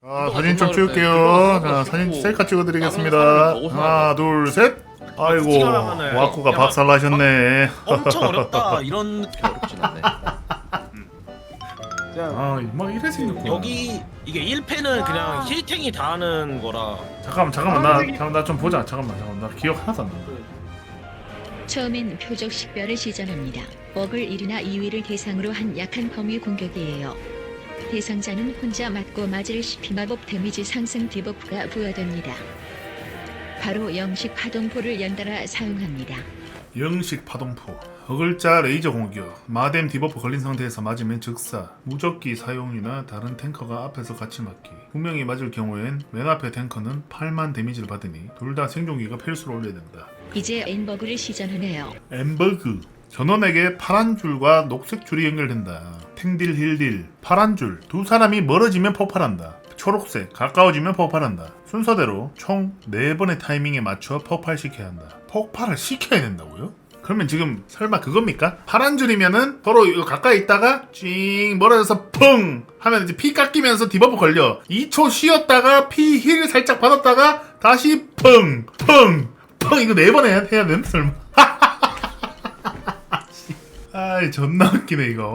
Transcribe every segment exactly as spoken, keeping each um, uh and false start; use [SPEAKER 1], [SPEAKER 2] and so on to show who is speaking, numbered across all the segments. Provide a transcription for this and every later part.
[SPEAKER 1] 아, 사진 좀 찍을게요. 자, 사진 셀카 찍어드리겠습니다. 하나, 둘, 셋. 아이고, 와꾸가 박살나셨네.
[SPEAKER 2] 엄청 어렵다 이런 느낌 어렵진 않네.
[SPEAKER 1] 아, 막 이래 생겼구나.
[SPEAKER 2] 여기 이게 일 패는 그냥 힐탱이 다 하는 거라.
[SPEAKER 1] 잠깐만, 잠깐만, 나, 잠깐 나 좀 보자. 잠깐만, 잠깐만, 나 기억 하나도 안 나.
[SPEAKER 3] 처음엔 표적 식별을 시전합니다. 먹을 일이나 이 위를 대상으로 한 약한 범위 공격이에요. 대상자는 혼자 맞고 맞을 시피 마법 데미지 상승 디버프가 부여됩니다. 바로 영식 파동포를 연달아 사용합니다.
[SPEAKER 1] 영식 파동포, 허글자 레이저 공격, 마뎀 디버프 걸린 상태에서 맞으면 즉사, 무적기 사용이나 다른 탱커가 앞에서 같이 맞기. 두 명이 맞을 경우엔 맨 앞에 탱커는 팔만 데미지를 받으니 둘 다 생존기가 필수로 올려야 된다.
[SPEAKER 3] 이제 엠버그를 시전하네요.
[SPEAKER 1] 엠버그, 전원에게 파란 줄과 녹색 줄이 연결된다. 탱딜 힐딜, 파란 줄, 두 사람이 멀어지면 폭발한다. 초록색, 가까워지면 폭발한다. 순서대로 총 네 번의 타이밍에 맞춰 폭발시켜야 한다. 폭발을 시켜야 된다고요? 그러면 지금 설마 그겁니까? 파란 줄이면은 서로 이거 가까이 있다가 찡 멀어져서 펑 하면 이제 피 깎이면서 디버프 걸려. 이 초 쉬었다가 피 힐 살짝 받았다가 다시 펑 펑 펑 이거 네 번 해야, 해야 되는 설마? 아이 존나 웃기네 이거.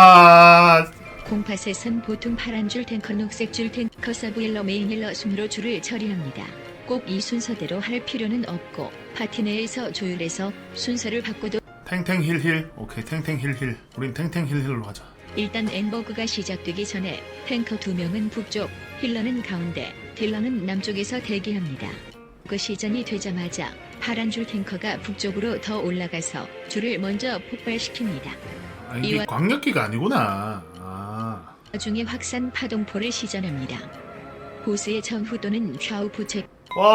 [SPEAKER 1] 와.
[SPEAKER 3] 공팟에선 보통 파란 줄 탱커, 녹색 줄 탱커, 서브힐러, 메인힐러 순으로 줄을 처리합니다. 꼭 이 순서대로 할 필요는 없고 파티 내에서 조율해서 순서를 바꿔도
[SPEAKER 1] 탱탱 힐힐. 오케이 탱탱 힐힐. 우린 탱탱 힐힐로 하자.
[SPEAKER 3] 일단 엠버그가 시작되기 전에 탱커 두 명은 북쪽, 힐러는 가운데, 딜러는 남쪽에서 대기합니다. 그 시전이 되자마자 파란 줄 탱커가 북쪽으로 더 올라가서 줄을 먼저 폭발시킵니다.
[SPEAKER 1] 아 이게
[SPEAKER 3] 이와-
[SPEAKER 1] 광역기가 아니구나. 아.
[SPEAKER 3] 나중에 확산 파동포를 시전합니다. 보스의 전후 또는 좌우 부채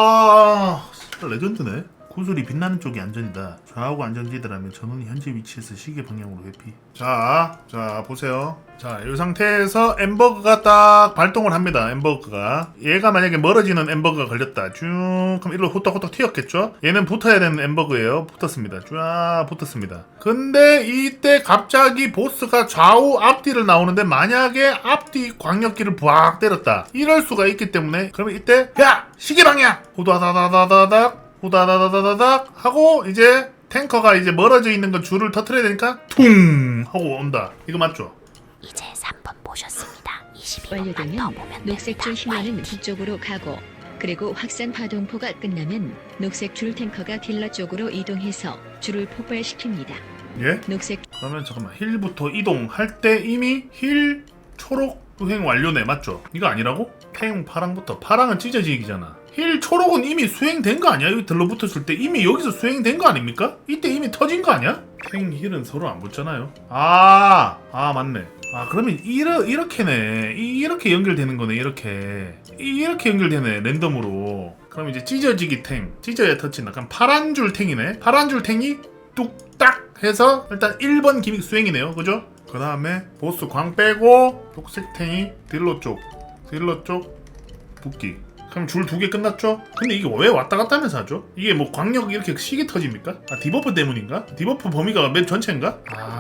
[SPEAKER 1] 와 레전드네. 구슬이 빛나는 쪽이 안전이다. 좌우가 안전지대라면 전원이 현재 위치에서 시계 방향으로 회피. 자, 자 보세요. 자, 이 상태에서 엠버그가 딱 발동을 합니다. 엠버그가 얘가 만약에 멀어지는 엠버그가 걸렸다. 쭉 그럼 일로 후딱후딱 튀었겠죠. 얘는 붙어야 되는 엠버그예요. 붙었습니다. 쫙 붙었습니다. 근데 이때 갑자기 보스가 좌우 앞뒤를 나오는데 만약에 앞뒤 광역기를 부악 때렸다. 이럴 수가 있기 때문에 그러면 이때 야 시계 방향 후다다다다다닥 후다다다다닥 하고 이제 탱커가 이제 멀어져 있는 거 줄을 터트려야 되니까 퉁 하고 온다. 이거 맞죠?
[SPEAKER 4] 이제 삼 번 보셨습니다. 이십이 번만
[SPEAKER 3] 완료되면
[SPEAKER 4] 더 보면
[SPEAKER 3] 녹색 줄
[SPEAKER 4] 됩니다.
[SPEAKER 3] 힐러는 북쪽으로 가고 그리고 확산 파동포가 끝나면 녹색 줄 탱커가 딜러 쪽으로 이동해서 줄을 폭발시킵니다.
[SPEAKER 1] 예?
[SPEAKER 3] 녹색
[SPEAKER 1] 그러면 잠깐만 힐부터 이동할 때 이미 힐 초록 수행 완료네 맞죠? 이거 아니라고? 태용 파랑부터 파랑은 찢어지기잖아. 힐 초록은 이미 수행된 거 아니야? 여기 들러붙었을 때 이미 여기서 수행된 거 아닙니까? 이때 이미 터진 거 아니야? 탱 힐은 서로 안 붙잖아요. 아, 아 맞네. 아 그러면 이러, 이렇게네. 이, 이렇게 연결되는 거네. 이렇게 이, 이렇게 연결되네. 랜덤으로. 그럼 이제 찢어지기 탱, 찢어야 터치. 약간 파란 줄 탱이네. 파란 줄 탱이 뚝딱 해서 일단 일 번 기믹 수행이네요. 그죠? 그 다음에 보스 광 빼고 녹색 탱이 딜러 쪽, 딜러 쪽 붙기. 그럼 줄 두 개 끝났죠? 근데 이게 왜 왔다 갔다 하면서 하죠? 이게 뭐 광역 이렇게 시계 터집니까? 아 디버프 때문인가? 디버프 범위가 맵 전체인가?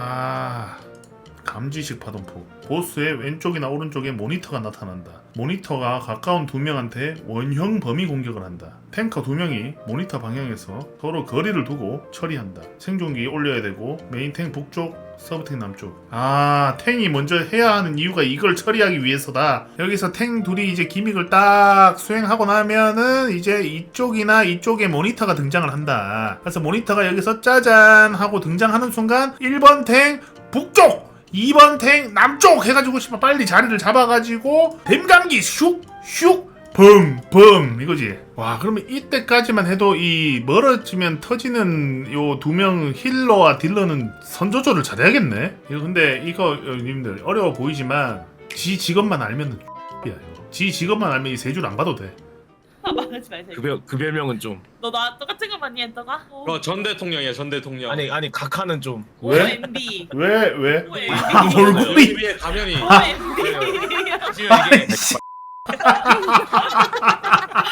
[SPEAKER 1] 아 감지식 파동포. 보스의 왼쪽이나 오른쪽에 모니터가 나타난다. 모니터가 가까운 두 명한테 원형 범위 공격을 한다. 탱커 두 명이 모니터 방향에서 서로 거리를 두고 처리한다. 생존기 올려야 되고 메인 탱 북쪽, 서브탱 남쪽. 아 탱이 먼저 해야 하는 이유가 이걸 처리하기 위해서다. 여기서 탱 둘이 이제 기믹을 딱 수행하고 나면은 이제 이쪽이나 이쪽에 모니터가 등장을 한다. 그래서 모니터가 여기서 짜잔 하고 등장하는 순간 일 번 탱 북쪽, 이 번 탱 남쪽 해가지고 싶어 빨리 자리를 잡아가지고 댐감기 슉슉 붕붕 이거지. 와 그러면 이때까지만 해도 이 멀어지면 터지는 요 두 명 힐러와 딜러는 선조절을 잘해야겠네. 이거 근데 이거 님들 어려워 보이지만 지 직업만 알면은 X야 이거. 지 직업만 알면 이 세 줄 안 봐도 돼.
[SPEAKER 5] 아 말하지 말자.
[SPEAKER 2] 그, 별, 그 별명은 좀.
[SPEAKER 5] 너 나 똑같은 거 많이 했다가? 어.
[SPEAKER 6] 그거 전 대통령이야 전 대통령.
[SPEAKER 2] 아니 아니 각하는 좀.
[SPEAKER 5] 오
[SPEAKER 1] 왜?
[SPEAKER 5] 엠비.
[SPEAKER 1] 왜 왜?
[SPEAKER 5] 오 엠비.
[SPEAKER 1] 아, 얼굴이
[SPEAKER 6] 위에 가면이.
[SPEAKER 5] 오 엠비.
[SPEAKER 6] 지금 이게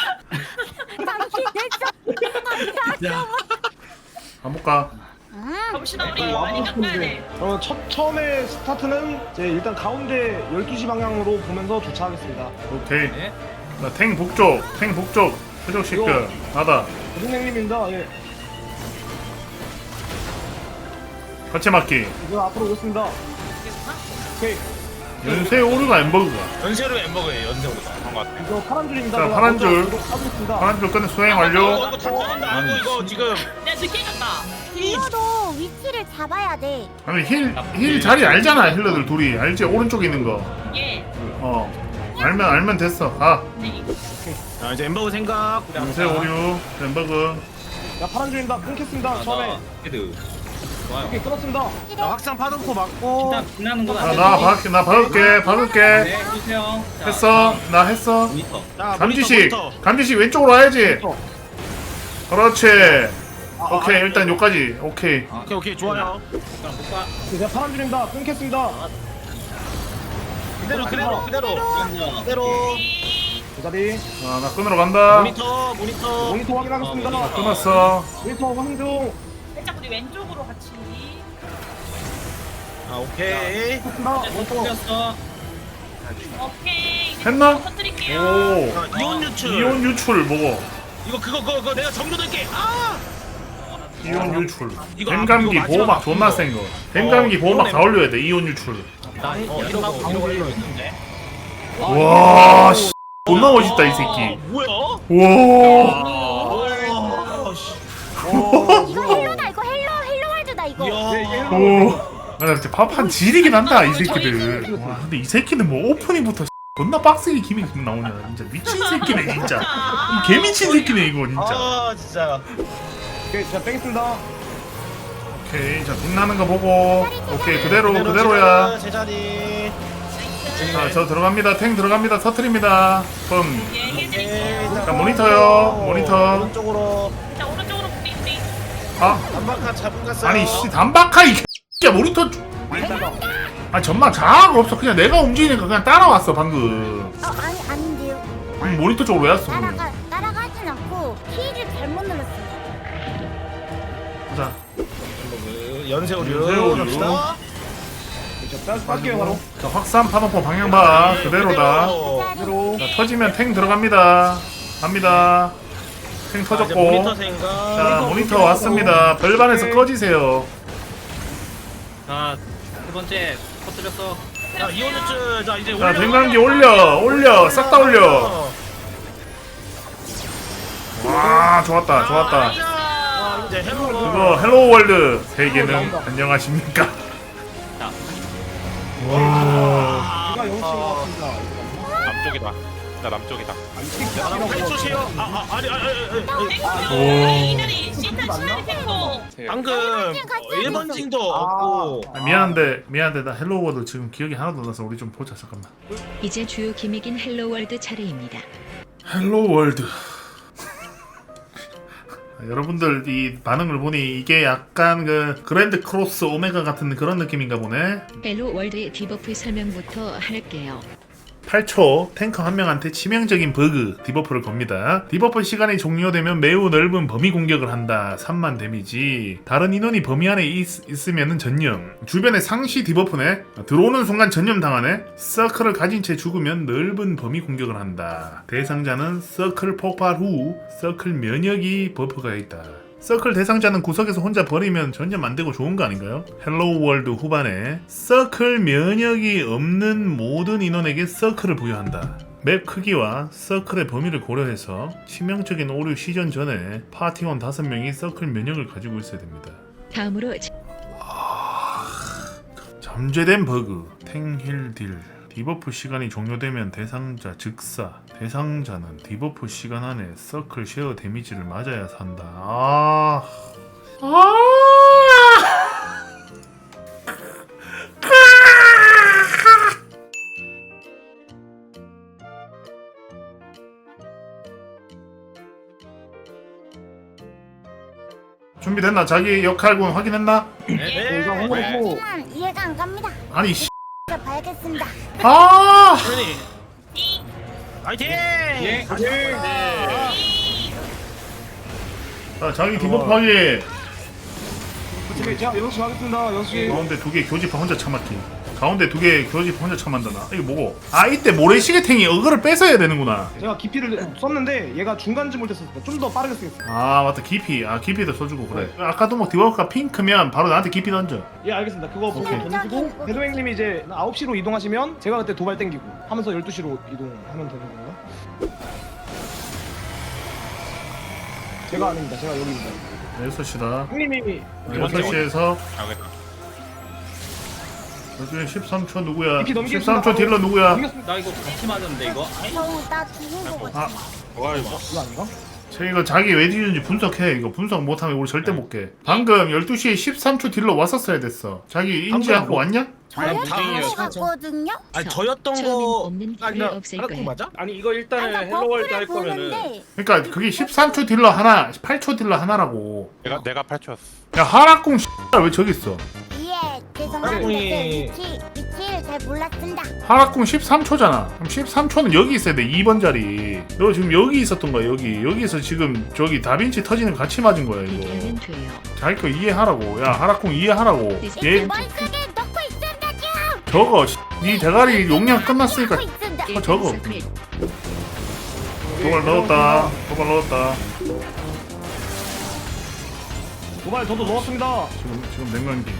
[SPEAKER 1] 가볼까?
[SPEAKER 5] 갑시다 우리 많이 깎아야 돼.
[SPEAKER 7] 어, 첫, 처음에 스타트는 이제 일단 가운데 열두 시 방향으로 보면서 주차하겠습니다.
[SPEAKER 1] 오케이.
[SPEAKER 2] 네.
[SPEAKER 1] 나 탱 북쪽, 탱 북쪽. 표적 시크. 나다.
[SPEAKER 7] 선생님입니다. 예.
[SPEAKER 1] 같이 맞기.
[SPEAKER 7] 이제 앞으로 오겠습니다. 오케이.
[SPEAKER 1] 연쇄 오류가 엠버그가.
[SPEAKER 2] 연세로 햄버거예요. 연세로가. 반갑.
[SPEAKER 7] 이거 파란 줄입니다.
[SPEAKER 1] 자,
[SPEAKER 7] 제가
[SPEAKER 1] 파란
[SPEAKER 7] 먼저
[SPEAKER 1] 줄.
[SPEAKER 7] 이거 까보겠습니다.
[SPEAKER 1] 파란 줄 끝내 수행
[SPEAKER 2] 이거
[SPEAKER 1] 완료.
[SPEAKER 2] 이거 다 터진다. 이거 이거 지금
[SPEAKER 5] 내가 늦게 갔다.
[SPEAKER 4] 힐러도 위치를 잡아야 돼.
[SPEAKER 1] 아니 힐, 힐 자리 알잖아 힐러들 둘이. 알지? 오른쪽에 있는 거.
[SPEAKER 5] 예.
[SPEAKER 1] 어. 알면 알면 됐어. 가.
[SPEAKER 5] 네.
[SPEAKER 2] 자 이제 햄버거 생각.
[SPEAKER 1] 연쇄 오류. 엠버그.
[SPEAKER 7] 야, 파란 줄입니다. 끊겠습니다. 처음에.
[SPEAKER 6] 헤드.
[SPEAKER 7] 오케이, 끊었습니다.
[SPEAKER 2] 자, 확산 파동포 맞고.
[SPEAKER 8] 일단 지나는 건
[SPEAKER 1] 아,
[SPEAKER 8] 안
[SPEAKER 1] 나
[SPEAKER 8] 되지.
[SPEAKER 1] 박을게. 나 박을게. 박을게.
[SPEAKER 8] 네, 해주세요. 자,
[SPEAKER 1] 했어. 나 했어.
[SPEAKER 8] 모니터.
[SPEAKER 2] 자,
[SPEAKER 1] 감지식.
[SPEAKER 2] 모니터, 모니터.
[SPEAKER 1] 감지식 왼쪽으로 와야지.
[SPEAKER 7] 어.
[SPEAKER 1] 그렇지.
[SPEAKER 7] 아,
[SPEAKER 1] 오케이
[SPEAKER 7] 아,
[SPEAKER 1] 일단 여기까지. 오케이.
[SPEAKER 2] 오케이 오케이 좋아요.
[SPEAKER 8] 못 가, 못 가.
[SPEAKER 7] 제가 파란 줄입니다. 끊겠습니다.
[SPEAKER 2] 그대로 그대로 그대로
[SPEAKER 8] 잠깐만요.
[SPEAKER 2] 그대로.
[SPEAKER 7] 그 자리.
[SPEAKER 1] 아, 나 끊으러 간다.
[SPEAKER 2] 모니터 모니터.
[SPEAKER 7] 모니터 확인하겠습니다.
[SPEAKER 8] 어, 모니터.
[SPEAKER 1] 끊었어.
[SPEAKER 7] 모니터 황중.
[SPEAKER 5] 살짝 우리 왼쪽으로 같이.
[SPEAKER 2] 아 오케이.
[SPEAKER 7] 끊습니다.
[SPEAKER 8] 이제 못
[SPEAKER 7] 모니터.
[SPEAKER 8] 풀렸어.
[SPEAKER 5] 오케이. 이제
[SPEAKER 1] 했나?
[SPEAKER 5] 터뜨릴게요.
[SPEAKER 1] 오.
[SPEAKER 2] 자, 이온 유출.
[SPEAKER 1] 이온 유출 뭐고?
[SPEAKER 2] 이거 그거 그거, 그거 내가 정도 될게. 아.
[SPEAKER 1] 이온 유출.
[SPEAKER 2] 이거
[SPEAKER 1] 뱀감기
[SPEAKER 2] 이거
[SPEAKER 1] 보호막
[SPEAKER 2] 마지막
[SPEAKER 1] 존나
[SPEAKER 2] 이거.
[SPEAKER 1] 센 거. 뱀감기
[SPEAKER 2] 어,
[SPEAKER 1] 보호막
[SPEAKER 2] 이거네.
[SPEAKER 1] 다 올려야 돼. 이온 유출.
[SPEAKER 8] 나
[SPEAKER 2] 어,
[SPEAKER 8] 이러고
[SPEAKER 2] 이러고
[SPEAKER 8] 이러고 이러고 있는데.
[SPEAKER 1] 와, 씨. 존나 멋있다 이
[SPEAKER 2] 아,
[SPEAKER 1] 새끼.
[SPEAKER 2] 뭐야?
[SPEAKER 1] 와.
[SPEAKER 2] 아, 씨.
[SPEAKER 4] 이거 헬로다 이거 헬로 헬로 월드다 이거.
[SPEAKER 2] 이야.
[SPEAKER 1] 오. 나 진짜 밥한 지리긴 한다 이 새끼들. 와, 근데 이 새끼는 뭐 오프닝부터 존나 빡세게 기믹 나오냐. 진짜 미친 새끼네 진짜. 이 개미친 새끼네 이거 진짜.
[SPEAKER 2] 아 진짜.
[SPEAKER 7] 오케이, 제가 빼겠습니다.
[SPEAKER 1] 오케이, 자 빛나는 거 보고. 오케이 그대로 그대로야.
[SPEAKER 2] 제자리.
[SPEAKER 1] 자, 저 들어갑니다. 탱 들어갑니다. 터트립니다. 뻥.
[SPEAKER 5] 예,
[SPEAKER 2] 오케이.
[SPEAKER 5] 해드릴게요.
[SPEAKER 1] 자, 모니터요. 모니터.
[SPEAKER 2] 오른쪽으로.
[SPEAKER 5] 자, 오른쪽으로 우리 우리.
[SPEAKER 1] 아,
[SPEAKER 2] 단박한 잡은 갔어요.
[SPEAKER 1] 아니 씨 단박하 이 X야 모니터. 주- 아 전망 자아가 없어. 그냥 내가 움직이니까 그냥 따라왔어 방금.
[SPEAKER 4] 어 아니 아닌데요.
[SPEAKER 1] 음, 모니터 쪽으로 왜 왔어? 그러면?
[SPEAKER 4] 따라가 따라가진 않고 키를 잘못 눌렀어요.
[SPEAKER 1] 자,
[SPEAKER 2] 연세오류.
[SPEAKER 1] 연세오류.
[SPEAKER 2] 갑시다.
[SPEAKER 7] 자, 빼- 뺄게요, 바로.
[SPEAKER 1] 자 확산 파동포 방향 봐. 그대로다.
[SPEAKER 7] 그대로.
[SPEAKER 1] 자 터지면 탱 들어갑니다. 갑니다. 탱
[SPEAKER 2] 자, 이제
[SPEAKER 1] 터졌고.
[SPEAKER 2] 모니터 생각.
[SPEAKER 1] 자 모니터 왔습니다. 별반에서 꺼지세요.
[SPEAKER 8] 자, 두 번째 터뜨렸어.
[SPEAKER 2] 자, 이온유츠. 자, 이제
[SPEAKER 1] 자 댕감기 올려 올려 싹 다 올려. 와 좋았다 좋았다.
[SPEAKER 2] 자, 이제 헬로.
[SPEAKER 1] 그거 헬로 월드 세계는 안녕하십니까?
[SPEAKER 8] 자,
[SPEAKER 1] 와.
[SPEAKER 7] 제가 영신 것 같습니다.
[SPEAKER 6] 남쪽이다. 나 남쪽이다.
[SPEAKER 7] 아, 이 새끼
[SPEAKER 2] 야,
[SPEAKER 7] 아니라고요.
[SPEAKER 2] 팔초시요. 아, 아, 아니, 아니, 아니, 아니, 아니.
[SPEAKER 1] 오.
[SPEAKER 5] 이 자리 시타 시나리 템포.
[SPEAKER 2] 방금 일 번 징도
[SPEAKER 7] 아.
[SPEAKER 2] 없고.
[SPEAKER 1] 아, 미안한데 미안한데 나 헬로 월드 지금 기억이 하나도 안 나서 우리 좀 보자 잠깐만.
[SPEAKER 3] 이제 주요 기믹인 헬로월드 차례입니다.
[SPEAKER 1] 헬로 월드. 아, 여러분들 이 반응을 보니 이게 약간 그 그랜드 크로스 오메가 같은 그런 느낌인가 보네.
[SPEAKER 3] 헬로월드의 디버프 설명부터 할게요.
[SPEAKER 1] 팔 초 탱커 한 명한테 치명적인 버그 디버프를 겁니다. 디버프 시간이 종료되면 매우 넓은 범위 공격을 한다. 삼만 데미지. 다른 인원이 범위 안에 있, 있으면 전념. 주변에 상시 디버프네. 들어오는 순간 전념 당하네. 서클을 가진 채 죽으면 넓은 범위 공격을 한다. 대상자는 서클 폭발 후 서클 면역이 버프가 있다. 서클 대상자는 구석에서 혼자 버리면 전혀 안 되고 좋은 거 아닌가요? 헬로우 월드 후반에 서클 면역이 없는 모든 인원에게 서클을 부여한다. 맵 크기와 서클의 범위를 고려해서 치명적인 오류 시전 전에 파티원 다섯 명이 서클 면역을 가지고 있어야 됩니다.
[SPEAKER 3] 다음으로
[SPEAKER 1] 잠재된 버그 탱힐 딜 디버프 시간이 종료되면 대상자 즉사 대상자는 디버프 시간 안에 서클 쉐어 데미지를 맞아야 산다. 아... 아... 준비됐나? 자기 역할군 확인했나?
[SPEAKER 2] 네.
[SPEAKER 7] 이거 홍보했고.
[SPEAKER 4] 하지만 이해가 안 갑니다.
[SPEAKER 1] 아니 씨.
[SPEAKER 4] 자, 봐야겠습니다.
[SPEAKER 1] 아!
[SPEAKER 2] 현이. 화이팅!
[SPEAKER 8] 예.
[SPEAKER 1] 자, 자기 디버프 확인.
[SPEAKER 7] 네, 제가 여섯 시 가겠습니다. 여섯 시.
[SPEAKER 1] 가운데 두 개 교집합 혼자 참았기. 가운데 두 개 교집합 혼자 참한다 나. 이게 뭐고? 아 이때 모래시계탱이 어그를 뺏어야 되는구나.
[SPEAKER 7] 제가 깊이를 썼는데 얘가 중간쯤 올 때 썼어요. 좀 더 빠르게 쓰겠습니다.
[SPEAKER 1] 아 맞다 깊이. 아 깊이도 써주고 그래. 아까도 뭐 디버가 핑크면 바로 나한테 깊이 던져.
[SPEAKER 7] 예, 알겠습니다. 그거 보고
[SPEAKER 1] 오케이.
[SPEAKER 7] 던지고 배도행님이 이제 아홉 시로 이동하시면 제가 그때 도발 땡기고 하면서 열두 시로 이동하면 되는 건가? 제가 아닙니다. 제가 여기입니다.
[SPEAKER 1] 여섯 시다.
[SPEAKER 7] 형님이
[SPEAKER 1] 여섯 시에서
[SPEAKER 6] 가겠다.
[SPEAKER 1] 여기 십삼 초 누구야?
[SPEAKER 7] 이렇게 넘기겠습니다.
[SPEAKER 1] 십삼 초 딜러 누구야?
[SPEAKER 7] 넘겼습니다.
[SPEAKER 8] 나 이거 같이 맞았는데 이거.
[SPEAKER 4] 저, 나 죽은 거 같아.
[SPEAKER 1] 아,
[SPEAKER 7] 이거 아닌가?
[SPEAKER 1] 쟤 이거 자기 왜 뒤는지 분석해. 이거 분석 못하면 우리 절대 못 깨. 방금 열두 시에 십삼 초 딜러 왔었어야 됐어. 자기 인지하고 왔냐?
[SPEAKER 4] 저요?
[SPEAKER 2] 무빙이에요,
[SPEAKER 4] 저거 갔거든요?
[SPEAKER 2] 아니 저였던
[SPEAKER 3] 처음엔
[SPEAKER 2] 거
[SPEAKER 3] 없는
[SPEAKER 2] 아니
[SPEAKER 3] 불을
[SPEAKER 2] 나
[SPEAKER 3] 없앨
[SPEAKER 2] 하라고
[SPEAKER 3] 거야.
[SPEAKER 2] 맞아?
[SPEAKER 8] 아니 이거 일단은
[SPEAKER 4] 아, 나
[SPEAKER 8] 헬로월드 할
[SPEAKER 4] 버프를
[SPEAKER 8] 거면은
[SPEAKER 4] 보는데
[SPEAKER 1] 그러니까 그게 십삼 초 딜러 하나, 팔 초 딜러 하나라고.
[SPEAKER 6] 내가 내가 팔 초였어.
[SPEAKER 1] 야 하락궁 왜 저기 있어?
[SPEAKER 4] 예, 죄송합니다.
[SPEAKER 2] 아니.
[SPEAKER 4] 제 위치, 위치를 잘 몰랐습니다.
[SPEAKER 1] 하락궁 십삼 초잖아. 그럼 십삼 초는 여기 있어야 돼. 이 번 자리. 너 지금 여기 있었던 거야. 여기. 여기서 지금 저기 다빈치 터지는 거 같이 맞은 거야 이거.
[SPEAKER 3] 이기하면 돼요.
[SPEAKER 1] 자기 거 이해하라고. 야 하락궁 이해하라고. 얘
[SPEAKER 4] 머릿속에 넣고 있습니다, 지금!
[SPEAKER 1] 저거 네 대가리 용량 끝났으니까
[SPEAKER 4] 넣고 있습니다.
[SPEAKER 1] 어, 저거.
[SPEAKER 3] 스크립.
[SPEAKER 1] 도발 넣었다. 도발 넣었다.
[SPEAKER 7] 도발 저도 넣었습니다.
[SPEAKER 1] 지금 지금 냉면기.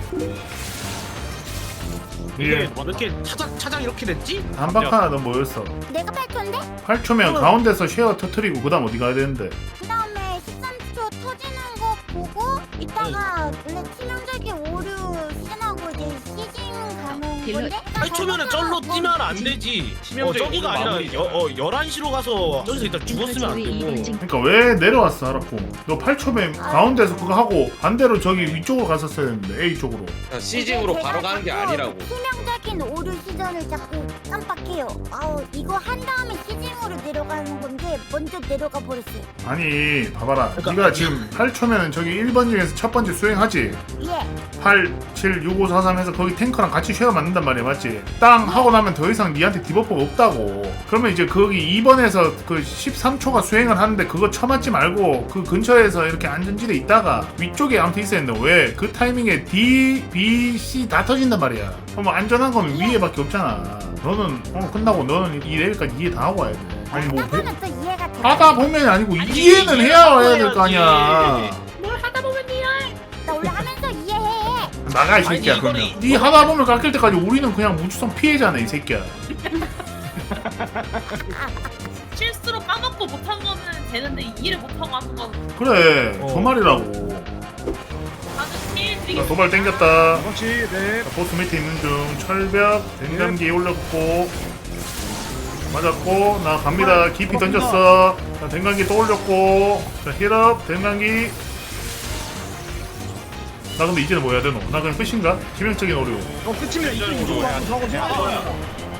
[SPEAKER 2] 이게
[SPEAKER 1] 이게
[SPEAKER 2] 뭐 이렇게 차장 차장 이렇게 됐지?
[SPEAKER 1] 단박 하나 더 모였어.
[SPEAKER 4] 내가 팔 초인데?
[SPEAKER 1] 팔 초면 가운데서 쉐어 터트리고 그다음 어디 가야 되는데?
[SPEAKER 4] 그 다음에 십삼 초 터지는 거 보고 이따가 원래 치명적인 오류 시즌하고 이제 시즌 가는
[SPEAKER 3] 딜러-
[SPEAKER 4] 건데
[SPEAKER 2] 팔 초면은 쩔로 뛰면 안 되지. 어 저기가 아니라 여, 어 열한 시로 가서 저기서 일단 죽었으면 안 되고.
[SPEAKER 1] 그러니까 왜 내려왔어 하라고? 너 팔 초면 가운데서 그거 하고 반대로 저기 위쪽으로 갔었어야 했는데 A 쪽으로.
[SPEAKER 9] 시징으로 바로 가는 게 아니라고.
[SPEAKER 4] 치명적인 오류 시즌을 자꾸 깜빡해요. 아우 이거 한 다음에 시즌으로 내려가는 건데 먼저 내려가 버렸어요.
[SPEAKER 1] 아니 봐봐라. 네가 지금 팔 초면 저기 일 번 중에서 첫 번째 수행하지?
[SPEAKER 4] 예.
[SPEAKER 1] 팔, 칠, 육, 오, 사, 삼 해서 거기 탱커랑 같이 쉐어 맞는단 말이야 맞지? 땅 하고 나면 더 이상 니한테 디버프가 없다고. 그러면 이제 거기 이 번에서 그 십삼 초가 수행을 하는데 그거 쳐맞지 말고 그 근처에서 이렇게 안전지대 있다가 위쪽에 아무튼 있어야 했는데 왜 그 타이밍에 D, B, C 다 터진단 말이야. 그럼 뭐 안전한 건 위에밖에 없잖아. 너는 오늘 끝나고 너는 이 레벨까지 이해 다 하고 와야 돼. 아니 뭐 배-
[SPEAKER 4] 그거는 또 이해가 돼.
[SPEAKER 1] 하다 보면 아니고 이해는 해야 해야 될 거 아니야.
[SPEAKER 5] 뭘 하다 보면 니야.
[SPEAKER 4] 나 원래 하면서 이해해.
[SPEAKER 1] 나가 이 새끼야.
[SPEAKER 2] 아니,
[SPEAKER 1] 그러면
[SPEAKER 2] 이거는-
[SPEAKER 1] 네 하다 보면 깎일 때까지 우리는 그냥 무주성 피해자네 이 새끼야.
[SPEAKER 5] 실수로 까먹고 못한 거는 되는데 이해를 못하고 하는 건
[SPEAKER 1] 그래
[SPEAKER 2] 어.
[SPEAKER 1] 저 말이라고.
[SPEAKER 5] 다들 피해
[SPEAKER 1] 자,
[SPEAKER 5] 드리겠습니다.
[SPEAKER 1] 도발 땡겼다.
[SPEAKER 7] 그렇지, 네.
[SPEAKER 1] 자, 보스 밑에 있는 중 철벽 댕감기 올렸고 맞았고 나 갑니다. 깊이 던졌어. 자 댕감기 또 올렸고 자 힐업 댕감기. 나 근데 이제는 뭐 해야 되노? 나 그냥 끝인가? 치명적인 오류.
[SPEAKER 7] 어, 끝입니다. 이쪽 이쪽으로 하고 저하고 저하고.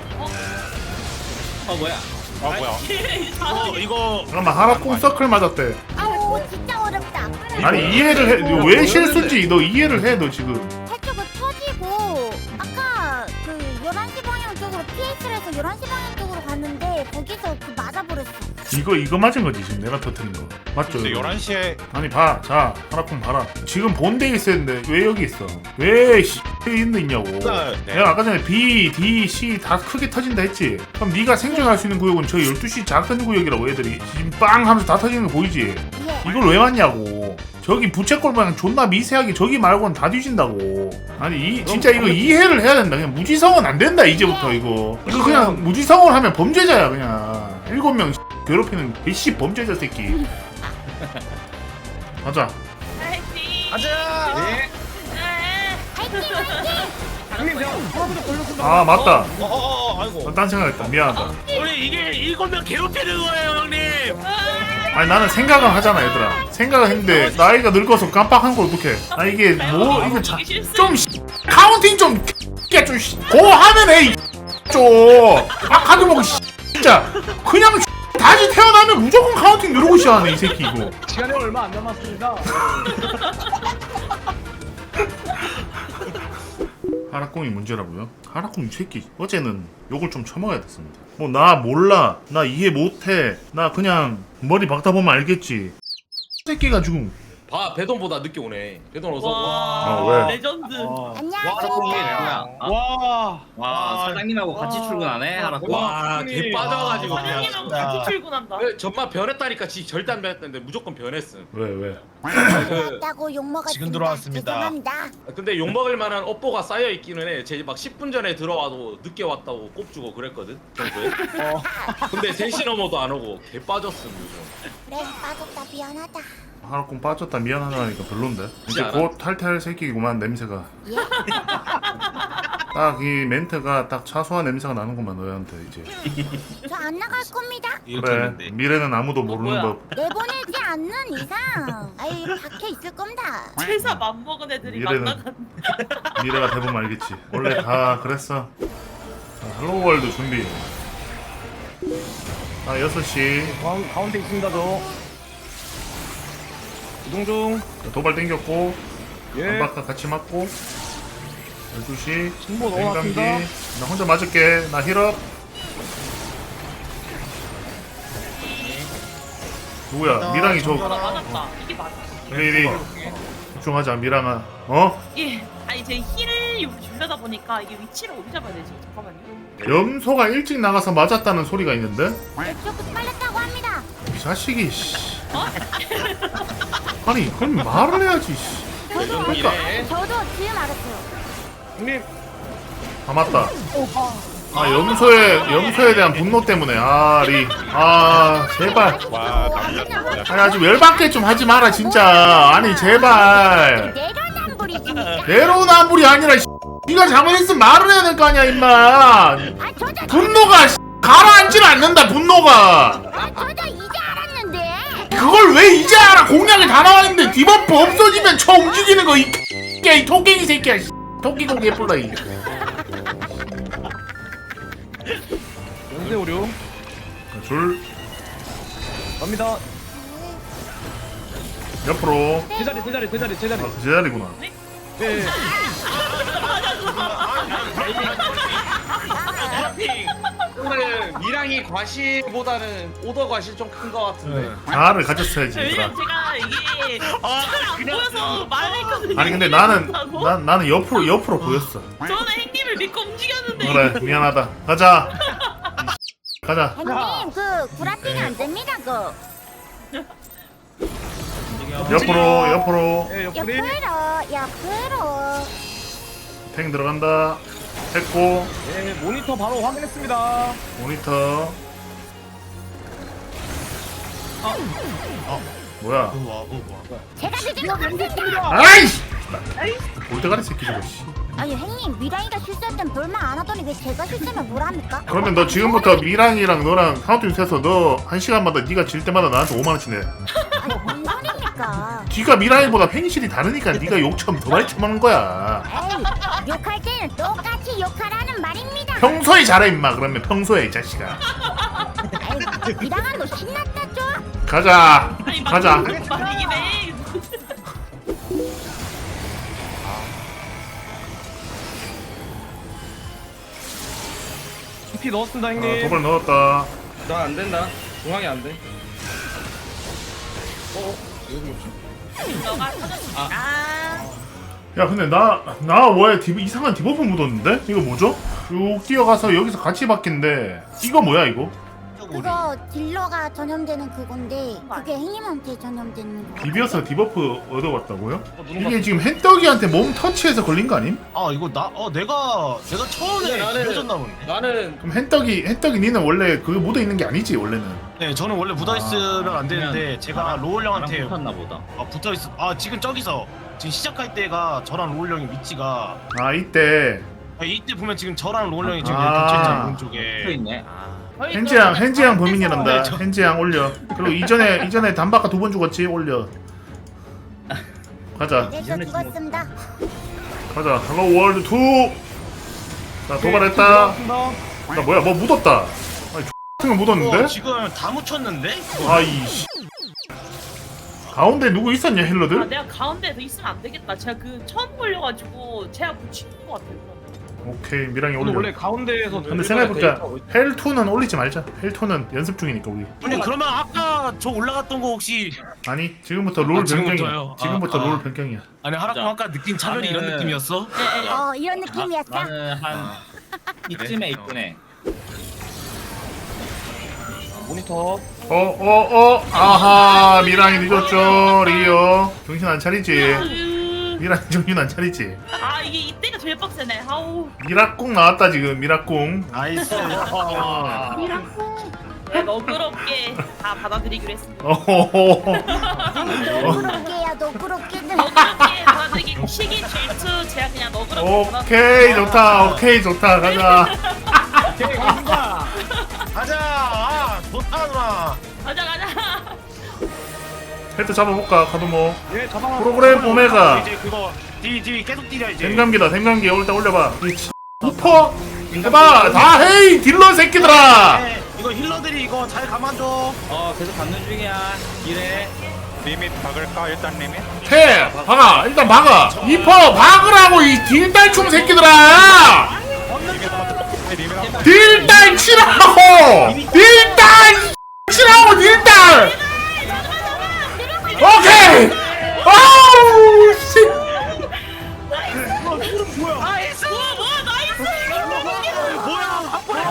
[SPEAKER 8] 어 뭐야?
[SPEAKER 6] 아 뭐야?
[SPEAKER 2] 어 이거
[SPEAKER 1] 잠깐만 하락궁 서클 맞았대.
[SPEAKER 4] 아우 진짜 어렵다.
[SPEAKER 1] 아니 이해를 해. 이거 왜 실수인지 너 이해를 해 너 지금.
[SPEAKER 4] 살짝은 터지고 아까 그 열한 시 방향 쪽으로 피에스를 해서 열한 시 방향 쪽으로 갔는데 거기서 그 맞아버렸어.
[SPEAKER 1] 이거 이거 맞은 거지 지금 내가 터뜨린 거 맞죠?
[SPEAKER 6] 근데
[SPEAKER 1] 이거?
[SPEAKER 6] 열한 시에
[SPEAKER 1] 아니 봐, 자 하나쿵 봐라. 지금 본대에 있었는데 왜 여기 있어? 왜 씨, 있는 있냐고.
[SPEAKER 2] 네.
[SPEAKER 1] 내가 아까 전에 B, D, C 다 크게 터진다 했지. 그럼 네가 생존할 수 있는 구역은 저 열두 시 작은 구역이라고 애들이 지금 빵 하면서 다 터지는 거 보이지?
[SPEAKER 4] 예.
[SPEAKER 1] 이걸 왜 맞냐고. 저기 부채꼴 모양 존나 미세하게 저기 말고는 다 뒤진다고. 아니 이 진짜 이거 이해를 해야 된다. 그냥 무지성은 안 된다 이제부터 이거. 이거 그냥 무지성을 하면 범죄자야 그냥. 일곱 명 괴롭히는 개씨 범죄자 새끼. 가자.
[SPEAKER 5] 파이팅.
[SPEAKER 2] 가자.
[SPEAKER 5] 네.
[SPEAKER 4] 화이팅 화이팅.
[SPEAKER 7] 형님 제가 하나부터 걸렸습니다.
[SPEAKER 1] 아 맞다.
[SPEAKER 2] 어어어 아이고.
[SPEAKER 1] 딴 생각했다. 미안하다.
[SPEAKER 2] 우리 이게 일곱 명 괴롭히는 거예요 형님.
[SPEAKER 1] 아니 나는 생각은 하잖아 얘들아. 생각을 했는데 나이가 늙어서 깜빡한 걸 어떡해. 아 이게 뭐 이거 자, 좀 카운팅 좀 야 좀 고하면 해. 좀 아까도 보고 진짜 그냥 다시 태어나면 무조건 카운팅 누르고 시작하네 이 새끼 이거.
[SPEAKER 7] 시간이 얼마 안 남았습니다.
[SPEAKER 1] 하락궁이 문제라고요? 하락궁 이 새끼 어제는 욕을 좀 처먹어야 됐습니다. 뭐 나 몰라 나 이해 못해 나 그냥 머리 박다 보면 알겠지. 새끼가 지금
[SPEAKER 9] 봐 배돈보다 늦게 오네. 배돈 어서 와.
[SPEAKER 5] 와
[SPEAKER 1] 어, 왜?
[SPEAKER 5] 레전드.
[SPEAKER 7] 아.
[SPEAKER 4] 안녕하십니까.
[SPEAKER 7] 와.
[SPEAKER 8] 와 사장님하고 같이
[SPEAKER 7] 와.
[SPEAKER 8] 출근하네 하나.
[SPEAKER 9] 와, 개 빠져가지고 그냥.
[SPEAKER 5] 사장님하고 같이 출근한다.
[SPEAKER 9] 왜 정말 변했다니까 지 절대 안 변했는데 무조건 변했음.
[SPEAKER 1] 왜 왜?
[SPEAKER 9] 그,
[SPEAKER 4] 왔다고 욕 먹었습니다.
[SPEAKER 7] 지금 들어왔습니다.
[SPEAKER 4] 죄송합니다.
[SPEAKER 9] 근데 욕 먹을 만한 업보가 쌓여 있기는 해. 제 막 십 분 전에 들어와도 늦게 왔다고 꼽주고 그랬거든 평소에.
[SPEAKER 7] 어.
[SPEAKER 9] 근데 세 시 넘어도 안 오고 개 빠졌음 요즘.
[SPEAKER 4] 그래 빠졌다 미안하다.
[SPEAKER 1] 하루콩 빠졌다 미안하다니까 별론데. 이제
[SPEAKER 9] 않아?
[SPEAKER 1] 곧 탈퇴할 새끼구만 냄새가.
[SPEAKER 4] 예?
[SPEAKER 1] 딱 이 멘트가 딱 차수한 냄새가 나는구만 너희한테 이제.
[SPEAKER 4] 저 안 나갈 겁니다.
[SPEAKER 1] 그래 미래는 아무도 모르는
[SPEAKER 5] 뭐야?
[SPEAKER 1] 법.
[SPEAKER 4] 내보내지 않는 이상 아이 밖에 있을 겁니다.
[SPEAKER 5] 회사 맘먹은 애들이
[SPEAKER 1] 미래는-
[SPEAKER 5] 만나간.
[SPEAKER 1] 미래가 대부분 알겠지. 원래 다 그랬어. 자, 헬로월드 준비. 아 여섯 시
[SPEAKER 7] 가운, 가운데 있습니다 저. 이동 중.
[SPEAKER 1] 도발 땡겼고
[SPEAKER 7] 예.
[SPEAKER 1] 한바퀴 같이 맞고 열두 시
[SPEAKER 7] 신보
[SPEAKER 1] 냉감기.
[SPEAKER 7] 넣어놨습니다.
[SPEAKER 1] 나 혼자 맞을게. 나 힐업. 누구야? 미랑이 저
[SPEAKER 5] 나 맞았다. 이게 맞아.
[SPEAKER 1] 레이디 집중하자 미랑아. 어?
[SPEAKER 5] 이게 아니 제 힐을 여기 주려다 보니까 이게 위치를 어디 잡아야 되지? 잠깐만요.
[SPEAKER 1] 염소가 일찍 나가서 맞았다는 소리가 있는데?
[SPEAKER 4] 이쪽도 빨렸다고 합니다.
[SPEAKER 1] 이 자식이 씨.
[SPEAKER 5] 어?
[SPEAKER 1] 아니 그럼 말을 해야지 씨.
[SPEAKER 4] 저도
[SPEAKER 1] 그러니까.
[SPEAKER 4] 저도 지금 알았어요.
[SPEAKER 7] 형님.
[SPEAKER 1] 아 맞다. 아 염소의 염소에 대한 분노 때문에 아리 아 제발.
[SPEAKER 6] 와, 남자
[SPEAKER 1] 아니 아주 열받게 좀 하지 마라 진짜. 아니 제발.
[SPEAKER 4] 내려남불이지니까.
[SPEAKER 1] 내로남불이 아니라 씨. 네가 잘못했으면 말을 해야 될 거 아니야 임마.
[SPEAKER 4] 아 저도
[SPEAKER 1] 분노가 씨, 가라앉질 않는다 분노가.
[SPEAKER 4] 아 저도 이제 알았는데.
[SPEAKER 1] 그걸 왜 이제 알아? 공략이 다 나와있는데 디버프 없어지면 저 움직이는 거 이 X야 이 토끼이 새끼야 씨. 토끼 공기 예쁠라 이.
[SPEAKER 7] 연세 오류.
[SPEAKER 1] 줄
[SPEAKER 7] 갑니다.
[SPEAKER 1] 옆으로.
[SPEAKER 7] 제자리 제자리 제자리 제자리.
[SPEAKER 1] 아, 그 제자리구나.
[SPEAKER 7] 예.
[SPEAKER 9] 오늘 미랑이 과실보다는 오더 과실 좀 큰 거 같은데.
[SPEAKER 1] 자아를 가졌어야지 얘들아.
[SPEAKER 5] 왜냐면 제가 이게 잘안 보여서 말을 했거든요.
[SPEAKER 1] 아니 근데 나는
[SPEAKER 5] 못하고.
[SPEAKER 1] 난 나는 옆으로 옆으로 보였어.
[SPEAKER 5] 저는 행님을 믿고 움직였는데
[SPEAKER 1] 그래 미안하다. 가자. 가자.
[SPEAKER 4] 형님 그 구라핑이 안 됩니다 그.
[SPEAKER 1] 옆으로 옆으로.
[SPEAKER 7] 예, 옆구리.
[SPEAKER 4] 옆으로 옆으로.
[SPEAKER 1] 탱 들어간다. 했고
[SPEAKER 7] 예, 모니터 바로 확인했습니다.
[SPEAKER 1] 모니터. 뭐야?
[SPEAKER 4] 제가 드진 거 같습니다.
[SPEAKER 1] 아이씨. 볼때가리 새끼 저거 씨.
[SPEAKER 4] 아니 형님 미라이가 실수할 땐 별말 안 하더니 왜 제가 실수하면 뭘 합니까?
[SPEAKER 1] 그러면 너 지금부터 미랑이랑 너랑 카운팅 세서 너 한 시간마다 네가 질 때마다 나한테 오만 원씩 내.
[SPEAKER 4] 아니 뭔 소리입니까?
[SPEAKER 1] 네가 미랑이보다 팽실이 다르니까 네가 욕처럼 더 많이 처먹는 거야.
[SPEAKER 4] 에이 욕할 때는 똑같이 욕하라는 말입니다.
[SPEAKER 1] 평소에 잘해 임마. 그러면 평소에 이 자식아.
[SPEAKER 4] 에이 미라가 너 신났다 좀.
[SPEAKER 1] 가자.
[SPEAKER 5] 아니
[SPEAKER 1] 가자.
[SPEAKER 5] 말이긴 해.
[SPEAKER 7] 피 넣었습니다
[SPEAKER 1] 어,
[SPEAKER 7] 형님.
[SPEAKER 1] 도발 넣었다.
[SPEAKER 9] 나 안 된다. 중앙이 안 돼.
[SPEAKER 5] 너가 터졌습니다.
[SPEAKER 1] 야 근데 나 나 왜 이상한 디버프 묻었는데? 이거 뭐죠? 쭉 뛰어가서 여기서 같이 바뀐데 이거 뭐야 이거?
[SPEAKER 4] 그거 딜러가 전염되는 그건데 그게 형님한테 전염되는 거.
[SPEAKER 1] 비벼서 디버프 얻어왔다고요? 이게 지금 헨떡이한테 몸 터치해서 걸린 거 아님?
[SPEAKER 2] 아 이거 나 어 내가 내가 처음에
[SPEAKER 9] 근데 나는-
[SPEAKER 2] 비벼졌나 보네.
[SPEAKER 9] 나는
[SPEAKER 1] 그럼 헨떡이 헨떡이 니는 원래 그게 묻어 있는 게 아니지 원래는.
[SPEAKER 2] 네 저는 원래 묻어 있으면 안 되는데 제가 로울 형한테
[SPEAKER 8] 붙었나 보다.
[SPEAKER 2] 아, 붙어 있어. 아 지금 저기서 지금 시작할 때가 저랑 로울 형의 위치가
[SPEAKER 1] 아 이때
[SPEAKER 2] 아, 이때 보면 지금 저랑 로울 형이 지금
[SPEAKER 1] 아.
[SPEAKER 2] 이렇게 겹쳐 있잖아
[SPEAKER 8] 붙어
[SPEAKER 2] 오른쪽에.
[SPEAKER 8] 있네. 아.
[SPEAKER 1] 헨지양 헨지양 범인이란다.
[SPEAKER 2] 네, 저-
[SPEAKER 1] 헨지양 올려. 그리고 이전에 이전에 단바카 두 번 죽었지 올려. 가자
[SPEAKER 4] 네, 저 죽었습니다.
[SPEAKER 1] 가자. 헬로 월드 투. 자 도발했다.
[SPEAKER 7] 넣었습니다.
[SPEAKER 1] 나 뭐야 뭐 묻었다. 아니 X 같은 거 묻었는데?
[SPEAKER 2] 어, 지금 다 묻혔는데?
[SPEAKER 1] 아이씨. 가운데 누구 있었냐
[SPEAKER 5] 아,
[SPEAKER 1] 힐러들?
[SPEAKER 5] 내가 가운데에 더 있으면 안 되겠다. 제가 그 처음 걸려가지고 제가 붙이는 것 같아요.
[SPEAKER 1] 오케이 미랑이
[SPEAKER 7] 오늘
[SPEAKER 1] 올려.
[SPEAKER 7] 원래 가운데에서
[SPEAKER 1] 근데 생각해보니까 헬투는 올리지 말자. 헬투는 연습 중이니까 우리.
[SPEAKER 2] 형님 그러면 아까 저 올라갔던 거 혹시
[SPEAKER 1] 아니 지금부터 롤
[SPEAKER 2] 아,
[SPEAKER 1] 변경이야.
[SPEAKER 2] 지금부터요?
[SPEAKER 1] 지금부터
[SPEAKER 2] 아,
[SPEAKER 1] 롤
[SPEAKER 2] 아.
[SPEAKER 1] 변경이야.
[SPEAKER 2] 아니 하라고 아까 느낀 차별이 이런
[SPEAKER 8] 나는-
[SPEAKER 2] 느낌이었어?
[SPEAKER 4] 어 이런 느낌이었어?
[SPEAKER 8] 나는 한 이쯤에 있구네.
[SPEAKER 7] 모니터
[SPEAKER 1] 어어어 아하 미랑이 늦었죠 리오. 정신 안 차리지.
[SPEAKER 5] 아유.
[SPEAKER 1] 미랑이 정신 안 차리지.
[SPEAKER 5] 아 이게 이때가 제일 빡세네. 아우.
[SPEAKER 1] 미라꿍 나왔다 지금 미라꿍.
[SPEAKER 2] 나이스.
[SPEAKER 5] 네, 너그럽게 다 받아들이기로 했습니다.
[SPEAKER 1] 어호호.
[SPEAKER 4] 너그럽게야 너그럽게는
[SPEAKER 5] 너그럽게 받아들이기 시기 질투 제가 그냥 너그럽게
[SPEAKER 1] 오케이 좋다. 오케이 좋다. 가자.
[SPEAKER 7] 오케이 갑니다.
[SPEAKER 2] 가자. 아, 좋다 누나.
[SPEAKER 5] 가자 가자.
[SPEAKER 1] 헤드 잡아볼까 카드모.
[SPEAKER 7] 예 잡아.
[SPEAKER 1] 프로그램 오메가.
[SPEAKER 2] 이제 그거 뒤 뒤 계속 뛰려 이제.
[SPEAKER 1] 생감기다 생감기 일단 올려봐. 우퍼 해봐. 다 헤이 딜러 새끼들아.
[SPEAKER 2] 네, 이거 힐러들이 이거 잘 가만둬.
[SPEAKER 8] 어 계속 받는 중이야. 이래.
[SPEAKER 6] 리밋 박을까 일단 리밋.
[SPEAKER 1] 해 박아 일단 박아. 이퍼 박으라고 이 딜딸충 새끼들아.
[SPEAKER 6] 리밋 한
[SPEAKER 1] 딜딸 치라고. 딜딸 치라고 딜딸. 오케이. 아우 씨.
[SPEAKER 5] 나이스. 우와 뭐야 나이스.
[SPEAKER 2] 뭐야 한 번에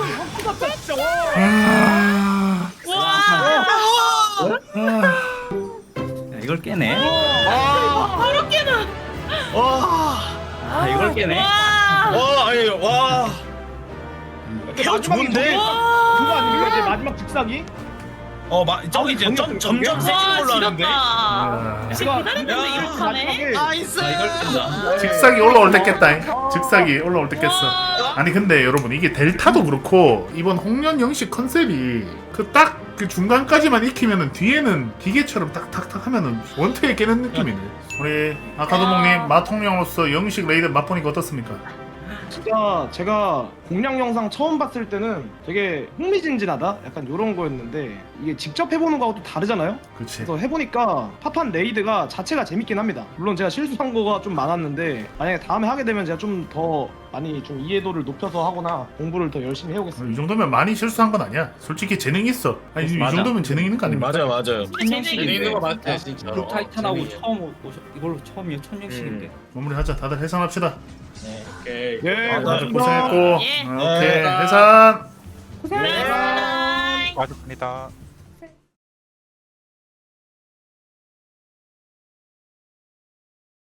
[SPEAKER 1] 아,
[SPEAKER 5] 와.
[SPEAKER 1] 아.
[SPEAKER 8] 야, 이걸 깨네.
[SPEAKER 5] 와. 그렇게는.
[SPEAKER 2] 와.
[SPEAKER 8] 아 이걸 깨네.
[SPEAKER 5] 와.
[SPEAKER 2] 와, 아니, 와. 케어 좋은데?
[SPEAKER 7] 그거 아닙니까 이제 마지막 직사기?
[SPEAKER 2] 어, 마, 저기 이제 점, 점점 세진 걸로
[SPEAKER 5] 와
[SPEAKER 2] 하는데.
[SPEAKER 5] 지렸다.
[SPEAKER 1] 아.
[SPEAKER 5] 지금 기다렸는데 이렇게 하네.
[SPEAKER 7] 마지막에
[SPEAKER 2] 나이스.
[SPEAKER 8] 아 이걸 깬다.
[SPEAKER 1] 직사기 올라올 때 깼다. 직사기 올라올 때 깼어. 아니 근데 여러분 이게 델타도 그렇고 이번 홍련 영식 컨셉이 그 딱 그 중간까지만 익히면은 뒤에는 기계처럼 딱탁탁 하면은 원투에 깨는 느낌이네. 우리 아카도몽님 마통령으로서 영식 레이드 맛보니까 어떻습니까?
[SPEAKER 7] 진짜 제가 공략 영상 처음 봤을 때는 되게 흥미진진하다? 약간 이런 거였는데 이게 직접 해보는 거하고 또 다르잖아요?
[SPEAKER 1] 그치.
[SPEAKER 7] 그래서 해보니까 팝한 레이드가 자체가 재밌긴 합니다. 물론 제가 실수한 거가 좀 많았는데 만약에 다음에 하게 되면 제가 좀 더 많이 좀 이해도를 높여서 하거나 공부를 더 열심히 해오겠습니다.
[SPEAKER 1] 이 정도면 많이 실수한 건 아니야. 솔직히 재능 있어. 아니 이
[SPEAKER 8] 맞아.
[SPEAKER 1] 정도면 재능 있는 거 아닙니까?
[SPEAKER 2] 맞아요, 맞아요.
[SPEAKER 8] 천년씩인데.
[SPEAKER 2] 있는 거 맞대, 진짜.
[SPEAKER 8] 그 타이탄하고
[SPEAKER 2] 재능이.
[SPEAKER 8] 처음 오셔 이걸로 처음이야 천년씩인데.
[SPEAKER 1] 마무리하자. 다들 해산합시다.
[SPEAKER 2] 오케이.
[SPEAKER 7] 예,
[SPEAKER 2] 아,
[SPEAKER 1] 다들
[SPEAKER 7] 고맙습니다.
[SPEAKER 1] 고생했고.
[SPEAKER 5] 예.
[SPEAKER 1] 어, 오케이
[SPEAKER 2] 네.
[SPEAKER 1] 해산.
[SPEAKER 5] 고생하셨습니다.
[SPEAKER 6] 맞습니다.